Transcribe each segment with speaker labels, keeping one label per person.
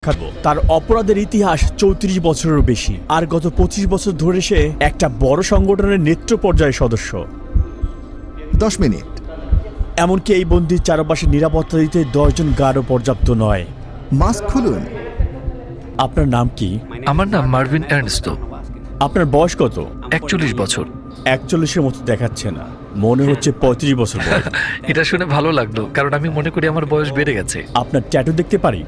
Speaker 1: সাক্ষাৎ। তার অপরাধের ইতিহাস 34 বছরেরও বেশি, আর গত 25 বছর ধরে সে একটা বড় সংগঠনের নেতৃত্ব পর্যায়ের সদস্য।
Speaker 2: 10 মিনিট।
Speaker 1: এমনকি এই বন্দির চারপাশে নিরাপত্তা দিতে 10 জন গার্ডও পর্যাপ্ত নয়।
Speaker 2: মাস্ক খুলুন।
Speaker 1: আপনার নাম কি?
Speaker 3: আমার নাম মার্ভিন এর্নস্টো।
Speaker 1: আপনার বয়স কত?
Speaker 3: 41 বছর।
Speaker 1: 41-এর মতো দেখাচ্ছে না, মনে হচ্ছে 35 বছর বয়স।
Speaker 3: এটা শুনে ভালো লাগলো, কারণ আমি মনে করি আমার বয়স বেড়ে গেছে।
Speaker 1: আপনার ট্যাটু দেখতে পারি?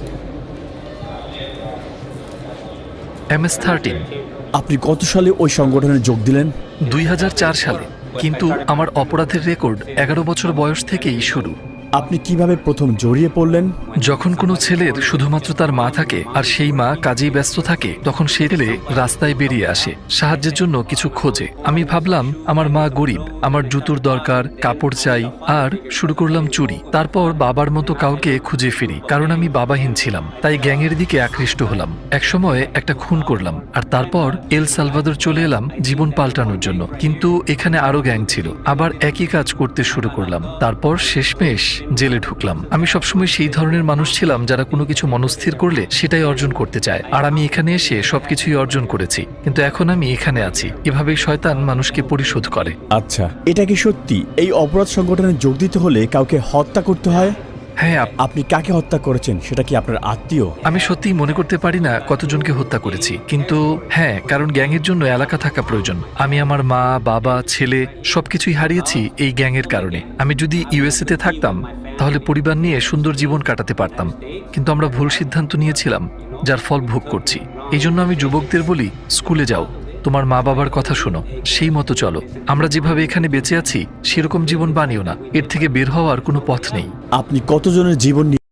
Speaker 3: MS-13।
Speaker 1: আপনি কত সালে ওই সংগঠনে যোগ দিলেন?
Speaker 3: 2004 সালে, কিন্তু আমার অপরাধের রেকর্ড 11 বছর বয়স থেকেই শুরু।
Speaker 1: আপনি কিভাবে প্রথম জড়িয়ে পড়লেন?
Speaker 3: যখন কোনো ছেলের শুধুমাত্র তার মা থাকে আর সেই মা কাজেই ব্যস্ত থাকে, তখন সে ছেলে রাস্তায় বেরিয়ে আসে সাহায্যের জন্য কিছু খোঁজে। আমি ভাবলাম আমার মা গরিব, আমার জুতোর দরকার, কাপড় চাই, আর শুরু করলাম চুরি। তারপর বাবার মতো কাউকে খুঁজে ফিরি, কারণ আমি বাবাহীন ছিলাম, তাই গ্যাংয়ের দিকে আকৃষ্ট হলাম। একসময় একটা খুন করলাম, আর তারপর এল সালভাদর চলে এলাম জীবন পাল্টানোর জন্য। কিন্তু এখানে আরো গ্যাং ছিল, আবার একই কাজ করতে শুরু করলাম। তারপর শেষমেশ জেলে ঢুকলাম। আমি সবসময় সেই ধরনের মানুষ ছিলাম যারা কোনো কিছু মনস্থির করলে সেটাই অর্জন করতে চায়, আর আমি এখানে এসে সবকিছুই অর্জন করেছি। কিন্তু এখন আমি এখানে আছি। এভাবেই শয়তান মানুষকে পরিশোধ করে।
Speaker 1: আচ্ছা, এটা কি সত্যি এই অপরাধ সংগঠনে যোগ দিতে হলে কাউকে হত্যা করতে হয়?
Speaker 3: হ্যাঁ।
Speaker 1: আপনি কাকে হত্যা করেছেন? সেটা কি আপনার আত্মীয়?
Speaker 3: আমি সত্যিই মনে করতে পারি না কতজনকে হত্যা করেছি, কিন্তু হ্যাঁ, কারণ গ্যাংয়ের জন্য এলাকা থাকা প্রয়োজন। আমি আমার মা, বাবা, ছেলে সবকিছুই হারিয়েছি এই গ্যাংয়ের কারণে। আমি যদি ইউএসএ তে থাকতাম তাহলে পরিবার নিয়ে সুন্দর জীবন কাটাতে পারতাম, কিন্তু আমরা ভুল সিদ্ধান্ত নিয়েছিলাম, যার ফল ভোগ করছি। এই জন্য আমি যুবকদের বলি, স্কুলে যাও, তোমার মা বাবার কথা শোনো, সেই মতো চলো। আমরা যেভাবে এখানে বেঁচে আছি সেরকম জীবন বানিও না, এর থেকে বের হওয়ার কোনো পথ নেই।
Speaker 1: আপনি কতজনের জীবন